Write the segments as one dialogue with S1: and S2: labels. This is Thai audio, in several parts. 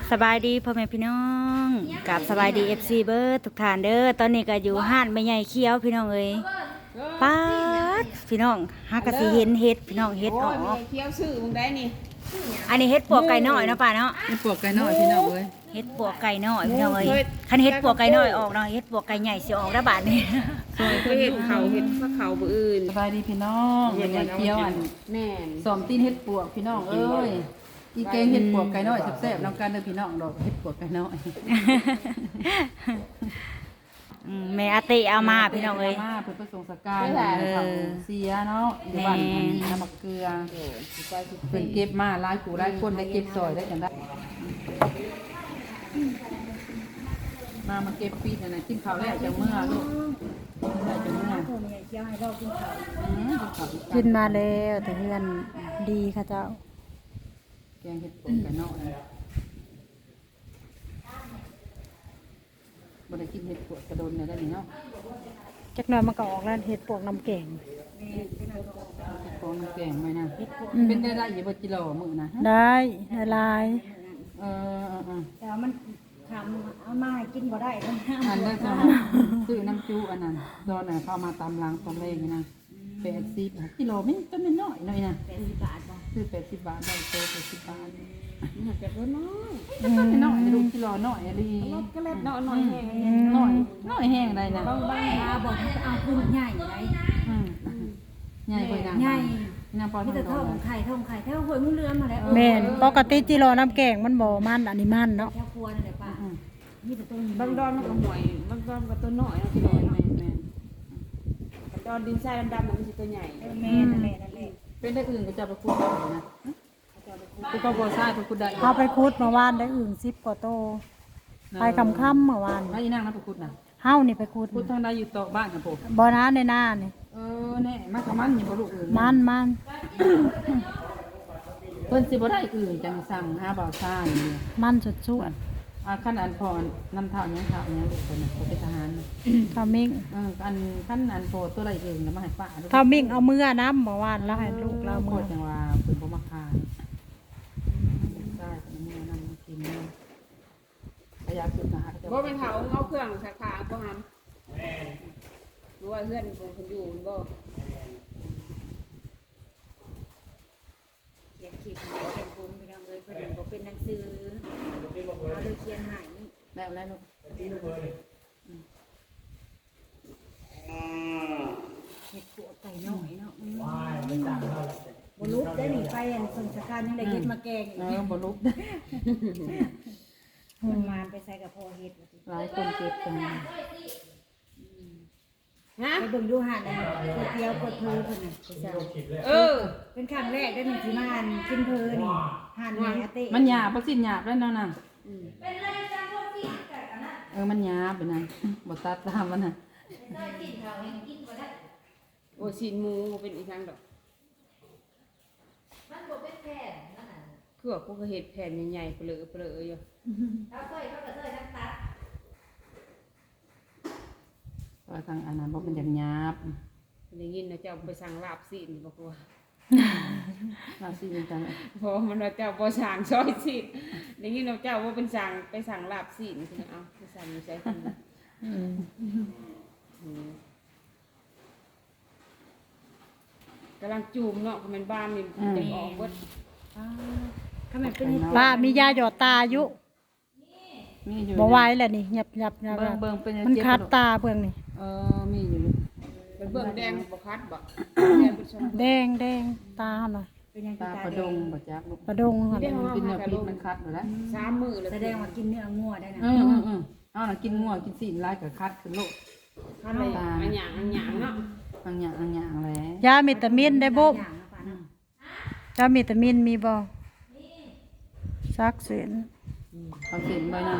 S1: สบายดีพ่อแม่พี่น้องกับสบายดีFCเบิร์ดทุกท่านเด้อตอนนี้ก็อยู่ห้านแม่ใหญ่เคี้ยวพี่น้องเอ้ยป๊าดพี่น้องหากะสิเห็นเฮ็ดพี่น้องเฮ็ดออก
S2: เคี้ยวซื้อมึงได้นี่
S1: อันนี้เฮ็ดปวกไก่น้อยเนาะป้าเนาะ
S3: เฮ็ดปวกไก่น้อยพี่น้องเอ้ย
S1: เฮ็ดปวกไก่น้อยพี่น้องเอ้ยคันเฮ็ดปวกไก่น้อยออกเนาะเฮ็ดปวกไก่ใหญ่สิออกได้บาดนี้
S2: ซอยก็เห็ดเขาเห็ดพระเขาบ่อื่น
S3: สบายดีพี่น้องยังไงเคี้ยวอัน
S2: แม่น
S3: สอมตีนเฮ็ดปวกพี่น้องเอ้ยอีแกงเฮ็ดปวกไก่น้อยแซ่บๆน้ำกันเด้อพี่น้องดอกเฮ็ดปวกไก่น้อย
S1: แม่อาเตเอามาพี่น้องเอ้ย
S3: มาเพิ่นไปส่งสการเขาเสียเนาะอยู่บ้านน้ำมะเกลือเพิ่นเก็บมาหลายผู้หลายคนได้เก็บซอยได้จังได้มาเก็บปีนั่นน่ะกินข้าวแล้วจังเมื่อลูกได้จังเมื่อ
S1: กินมาแล้วแต่เพื่อนดีค่ะเจ้า
S3: แกงเห็ดปวกไก่น้อยบ่ได้กินเห็ดปวกกระโดนเนี่ยได้นี่เนาะ
S1: จักหน่อยมันก็ออกแล้วเฮ็ดปวกน้ำแกง
S3: เห็ดปวกน้ำแกงไหมนะเป็นได้อยู่บ่กิโลมื้อนะ
S1: ได้ลาย
S3: เออ
S1: แต่มันทำเอามาให้กินบ่ได้มัน
S3: อันได้จ้ะซื้อน้ำจูอันนั้นตอนน่ะเข้ามาตามล้างตอนแรกนี่นะ80กิโลมันก็ไม่น้อยหน่อยนะ
S1: 80 บาทบ่
S3: ซื้อ80 บาทได้โต80 บาท
S2: มันจะบ่น้อย
S3: ก็ไม่น้อยลูกกิโลน้อยอะไร
S2: ก็เล็ดน้อยน้อยแห้ง
S3: น้อยแห้งได้นะ
S1: บางหาบอกให้เอาคือใหญ่ได
S3: ใหญ่กว่านาง
S1: ใหญ่
S3: นางพอ
S1: มีแต่
S3: ทำ
S1: ท้องไข่แถวห้วยมุ้งเรือนมาแล้ว
S4: แม่นปกติจิโรน้ำแกงมันบ่มันอันนี้มันเนาะ
S1: แถวครัวนั่นแหละป้ามีแต่ต้น
S2: บางดอนมันก็ห่วยบางดอนก็ตัวน้อยเนาะพี่น้อยเนาะดอนดินทรายดำๆมันสิตัวใหญ่
S1: แม่นั่นแหละ
S3: เป็นได้อื่นก็จะไปคูดได้นะกูก็บ่ทราบไปคูดได้
S4: เอาไปคุดเมื่อวานได้อื่น10กว่าโตไปค่ำเมื่อวาน
S3: แล้วอีนางนะไปคูดนะ
S4: เฮานี่ไปคุด
S3: คูดทางใดอยู่โต๊ะบ้านกับผม
S4: บ่นะในหน้านี่
S3: แน่มันก็มันอยู่บ่ลูกอื่น
S4: มัน
S3: เพิ่นสิบ่ได้อื่นจังสั่งหาบ่าวซ่านี่
S4: มันสุด
S3: คันอันพอนำเท่ายังเท่ายังลูกเพิ่นน่ะเป็นทหาร
S4: ๆเท่ามิ่ง
S3: อันคันอันโพตัวอะไรอื่นแล้วมาให้ป้า
S4: เท่ามิ่งเอามือน้ำเมื่อวานแล้วให้ลูกเรา
S3: โค
S4: มือ
S3: ตรจังว่าเพิ่นบ่มาขายได้แต่มื้อนำกินประหยัดสุดนะฮะ
S2: บ่เป็นเฒ่าเอาเครื่องสักผ้าบ่หันรู้ว่าเพื่อนเพิ่นอยู่บ่
S1: เขียนขีดเขียนผมพี่น้องเอ้ยเพิ่นบ่เป็นหนังสือเอาเลยเขียนให้
S3: แล้วลูก
S1: เฮ็ดปวกไก่น้อยเนาะบ่ลุกได้นี่ไปอันสงสารยังได้เฮ็ดมาแกงอีก
S3: บ่ลุก
S1: มันมานไปใส่กับพ่อเฮ็ดว่าสิ
S3: หลายคนเก็บกัน
S2: ฮะ
S1: ไปเบิ่งดูหาดนะก๋วยเตี๋ยวกดเพลเพิ่นน่ะไปสั่ง เป็นครั้งแรกได้หนึ่งที่มาอ่านกินเพลินหานแม่อาเต้
S3: มันหยาบบ่สิ้นหยาบแล้วเนาะน่ะมันหยาบไปนั่นบ่ตัดตามมันน่ะ
S2: โอ้สินหมูบ่เป็นอีหยังดอกคือว่ากูก็เฮ็ดแผ่นใหญ่ๆเปลืออยู่
S3: ว่าทางอันนั้นบ่เป็นหยาบ
S2: ได้ยินนะเจ้าไปสั่งลาบซีนบอกว่า
S3: เราสิเป็นจัง
S2: เพราะมันว่าเจ้าบ่สั่งซอยซีนได้ยินว่าเจ้าว่าเป็นสั่งไปสั่งลาบซีนคือเอาไปสั่งอยู่ใส่กันกำลังจูมเนาะมันบ้านนี่จะออกเบิด
S1: ขมันเป็น
S4: ป้ามียาหยอดตาอยู่
S3: มีอยู่
S4: บ่ไหวแล้วนี่หยับ
S3: เบิ่งเป็น
S4: มันคัดตาเพิ่งนี่
S3: มีอยู่
S2: เป็นเบิ่งแดงบ่คัดบ่
S4: แดงตาหน่อย
S1: เป็นยัง
S3: ตาประดงบ่จักลูก
S4: ประดงหั่น
S3: กินเนื้อพิษมันคัดอยู่แล้ว
S2: 3 มื้อเลย
S1: แสดงว่ากินเนื้องัวได้นะ
S3: เอาน่ะกินงัวกินซีนหลายก็คัดขึ้นโลก
S2: คัดเลยอันหยังเนาะ
S3: บางอย่างแหละ
S4: ยาวิตามินได้บ่
S1: อย่างนะป้าเนาะ
S4: ยาวิตามินมีบ่ซักเส้น
S3: เอาเส้นไปนั่น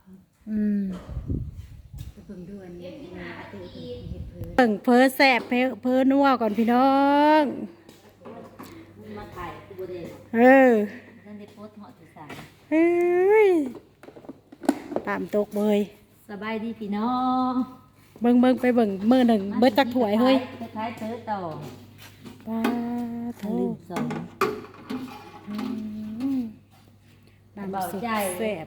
S1: ไปเบิ่งดูอันนี้แม่อาเต้เพิ่นเฮ็ดเพลิน
S4: เบิ่งเพ้อแซ่บเพ้อนัวก่อนพี่น้อง
S1: มาถ่ายกูบ่ได้ ท่านได้โพสต์เหาะที่3
S4: เฮ้ยตามตกเบย
S1: สบายดีพี่น้อง
S4: เบิ่งไปเบิ่งมื้อหนึ่งเบิดจักถ้วยเฮ้ย
S1: คล้ายๆเต๋อต่อ
S4: ป้า
S1: ทะลึ่งสอง
S4: น้ำ
S1: ำ
S5: เบา
S1: สุด
S5: ใจ
S1: แซ่บ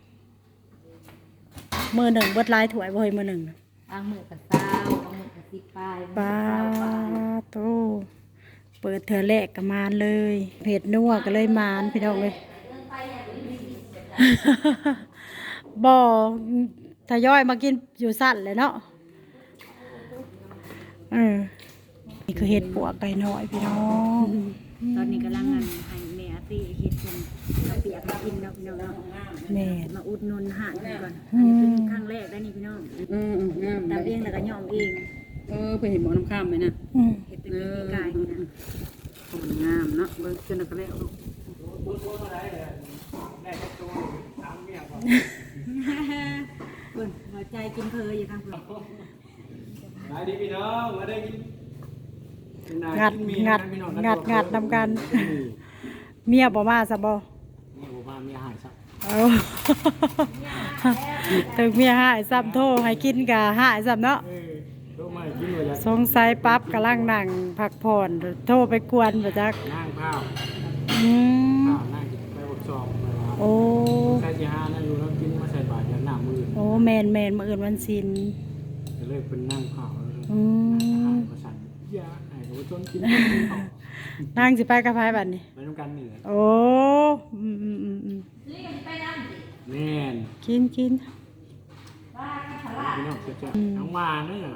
S1: มือหนึ่งเบิดหลายถ้วยบ่เฮ้ยมือหนึ่ง
S5: บางมือกับเต้าบางมือกับสิบปลาย
S1: ปลาโตเปิดเถื่อแรกก็มานเลยเผ็ดนัวก็เลยมานพี่น้องเลย บ่ทยอยมากินอยู่สั่นเลยเนาะนี่คือเห็ดปวกไก่น้อยพี่น้องตอนนี้กำลังงานให้แม่ตีเห็ดเป็นกระเปียกมากินเนาะพี่น้องเนาะแม่มาอุดหนุนหาดกันก่อนอันนี้เป็นครั้งแรกได้นี่พี่น้อง
S3: งาม
S1: ตำเองแล้วก็ย่อมเอง
S3: ไปเห็นหมอน้ำข้ามไหมนะ
S1: เห็ดเป็นปีกไก่นี่นะ
S3: มันงามเนาะเบิ่งจนกระแล้ว
S1: เพิ่นหัวใจกินเพลอยู่ทางเพิ่น
S6: มาดีพี่น้องมาได้กิน
S1: งัดนำกัน เมียบ่มาซะบ่
S6: นี่ผมมามีอาหารสัก
S1: เอาถึงเมียหายซ้ำโทรให้กินกะหายซ้ำเนาะ
S6: โตมากินเลยจ้ะ
S1: สงสัยปั๊บกำลังนั่งพักผ่อนโทรไปกวนบ่จัก
S6: นั่งข้าว
S1: อืม
S6: ข้าวนั่งกินไปอบซองไปว่า
S1: โอ้
S6: ใส่จีฮานั่งอยู่แล้วกินมาใส่บาตรอย่างหน้ามือ
S1: โอ้แม่นมื้ออื่นวันศีล
S6: ก็เลยเป็นนั่งข้าวแล้ว
S1: อืม
S6: มาสั่นยาไอ้ก็จนกินข้าว
S1: นั่งสิไปกับไผบัดนี้
S6: ไปน้ำกันเหนื่อย
S1: โอ้อืม
S6: แน่น
S1: กิน
S6: พี่น้องเจ้าน้องมาเนี่ย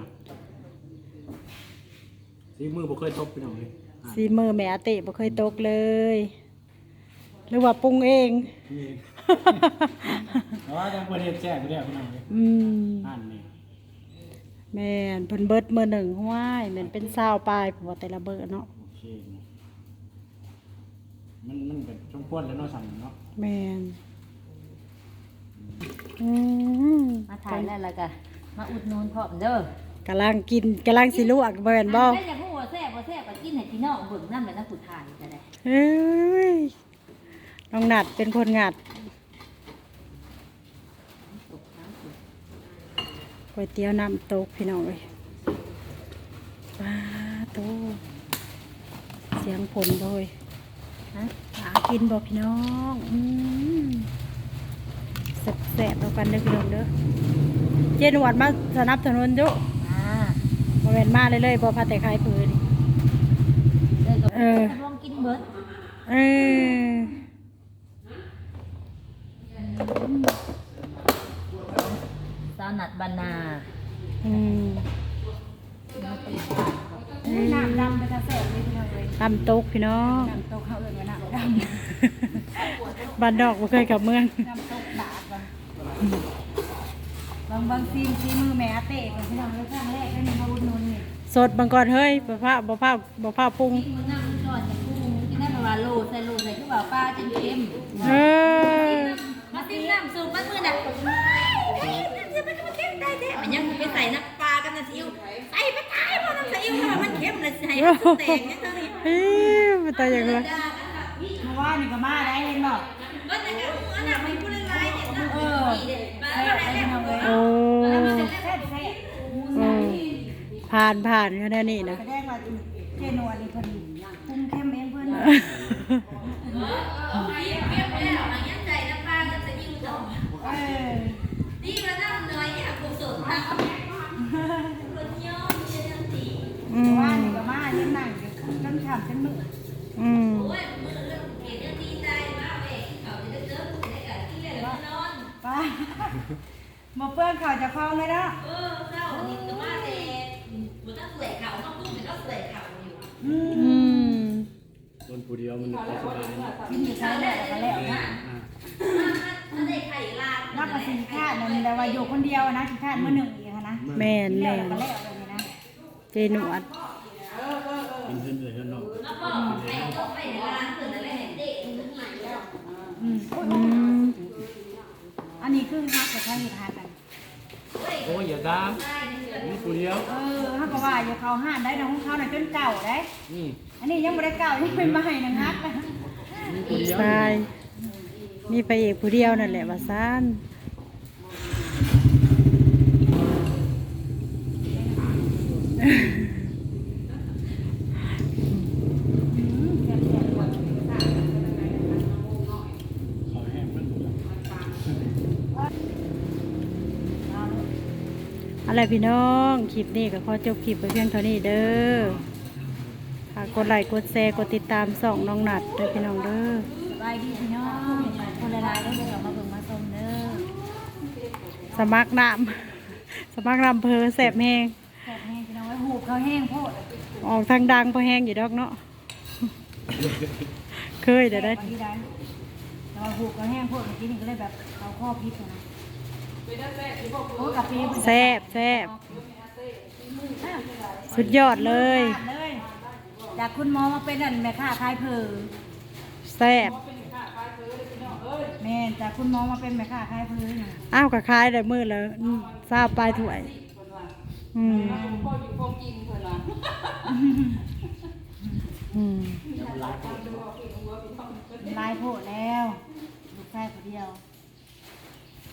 S6: สีมือบ่เคยตบพี่น้องเลย
S1: สีมือแม่อาติบ่เคยตกเลย หรือว่าปรุงเอง
S6: นี่แต่ว่าจังประเทศแจ้งไปแล้วพี่น้องเลย
S1: อืม
S6: อ่านนี่
S1: แม่นเพิ่นเบิดมื้อหนึ่งห้วยแม่นเป็น20ปลายเพราะว่าแต่ละเบิดเนาะ
S6: โอเคมันเป็นช่วงพ้นแล้วเนาะสั่นเนาะ
S1: แม่นอืม
S5: มาถ่ายแล้วก็มาอุดหนุนพร้อมเด้อก
S1: ำลังกินกำลังสิลวกบ่แม่นบ่
S5: ได้อยากพูดว่าแซ่บก็กินให้พี่น้องเบิ่งนำเป็นนักผู้ถ่ายก็ได้
S1: เอ้ยน้องนัดเป็นคนงัดก๋วยเตี๋ยวน้ำตกพี่น้องเอ้ยว้าโตเสียงผลบ่เฮ้ยฮะหากินบ่พี่น้องแซ่บๆแล้วกันเด้อพี่น้องเด้อเจนหวัดมาสนับสนุนจุ บ่แม่นมาเลยบ่พาแต่ขายผืน
S5: เออลองกินเบิด
S1: เออ
S5: สาวนัดบานา
S1: อืม
S4: น้ำดำไปกระแสเลยพี่น้องเลย
S1: ตำตกพี่น้อง
S4: น้ำตกเขาเอิ้นว่าน้ำด
S1: บ้านนอกบ่เคยกลับเมือง
S4: ำน้ำตกบาดว่ะบางซีนซีมือแม่อาเต้ของพี่น้องเลยครั้งแรกได้นี่มาอุดหนุนนี่
S1: สดบางก่อนเฮ้ยบ่พาปรุง
S5: มึงนั่งจอดอย่างกูกินได้ประมาณโลใส่คือว่าปลาจนเค็ม
S1: เออ
S5: มาติ้งน้ำสูบมันมือน่ะมันยังไปใส่น้ำปลากันนะซิวใส่ไปตายเพราะน้ำซิวมันเค็มเลยใส่แตกเนี่ยทั้งนี้
S1: เฮ้ยมันตายอย่างไร
S4: เมื่อวานนี่ก็มาได้เห็นบ่
S5: ก็แต่ก็อันนั้นไม่พูดอะไรเนี่ยนะ
S4: เออแซ่บไปพี่น้องเลย
S1: โอ้
S4: แซ่บแซ่บ
S1: ผ่านก็ได้นี่นะ
S4: แสดงว่าเจนวลนี่เพิ่นปรุงเข้มเองเพิ่น
S5: ใส่น้ำปลากับซิวต่อ
S4: เออ
S5: นี่มันน้ำน้อยเนี่ยกูสดนะคนย่อมเยอะสี
S1: อื
S4: เมื่อ
S1: ม
S4: วานนี่ก็มายังนั่งอยู่จนค่ำจนมืด
S1: อืม
S5: โอ้ยมือเรื่องเห็นเรื่องดีใจมากเลยเขาจะเจอผู้ใดกันที่เรียนนอน
S4: ป้ามาเปื้อนข่าวจะคล้องเลยเนาะ
S5: เจ้านี่ก็มาแต่บุตรสวยเขาต้องพูดถึงก็สวยเขาอยู่
S1: อืม
S6: ต้นผู้เดียวมันก็สบายนะ
S4: กินอยู่ใช้แล้วก็แล้วนะ
S5: มันได้ไข่ลาด
S4: นักกสิคาดนั่นแต่ว่าอยู่คนเดียวนะขี้คาดมื้อหนึ่งอีกอะนะ
S1: แม่น
S4: แล้ว
S1: แม่น
S4: ก็แล้วเลยนะ
S1: เจหนวด
S6: กินเพื่อนเลยเพื่อนน้อง
S5: แล้วก็ไข่ต้มไปในร้านเปิดอะไรเห็นเด็กมันใหม่แล้ว
S1: อืม
S4: อันนี้คือฮักกับข้าวอยู่ทานกัน
S6: โอ้ยอย่าดามนี่ผู้เดียว
S4: ฮักก็ว่าอยู่เขาห้านได้นะของเขาน่ะจนเก่าได้
S6: นี่
S4: อันนี้ยังบ่ได้เก่ายังเป็นใหม่นะฮักนะ
S6: นี่ผู้เดียว
S1: ใช่มีไปเอกผู้เดียวนั่นแหละว่าซ่าน
S4: อะไรพี่น้องคลิปนี้ก็ขอจบคลิปไปเพียงเท่านี้เด้อฝากกดไลค์กดแชร์กดติดตามส่องน้องนัดเด้อพี่น้องเด้อ
S1: สบายดีพี่น้องคนละลายได้เดี๋ยวมาเบิ่งมาชมเด้อ
S4: สมัครน้ำ สมัครน้ำเพอแสบแห้ง
S1: แซ่บแห้งพี่น้องไว้หูบเขาแห้งโพด
S4: ออกทางดังพอแห้งอยู่ดอกเนาะ เคยเดี๋ยวได้
S1: บางทีได้แต่ว่าหูบเขาแห้งโพดเมื่อกี้นี่ก็เลยแบบเอาข้อพิษนะโอ้กับปี
S4: แซ่บแซ่บสุดยอดเลย
S1: เลยจากคุณหมอมาเป็นอันแม่ค้าขายเผอ
S4: แซ่บ
S1: แม่นจากคุณหมอมาเป็นแม่ค้าขายเผอน่ะ
S4: อ้าวกะคายได้มือแล้วทราบปลายถ้วย อืม
S2: พ่ออยู่พ่อกินเพิ่นว่า
S4: อืม
S1: ลายโพดแล้วลูกชายคนเดียว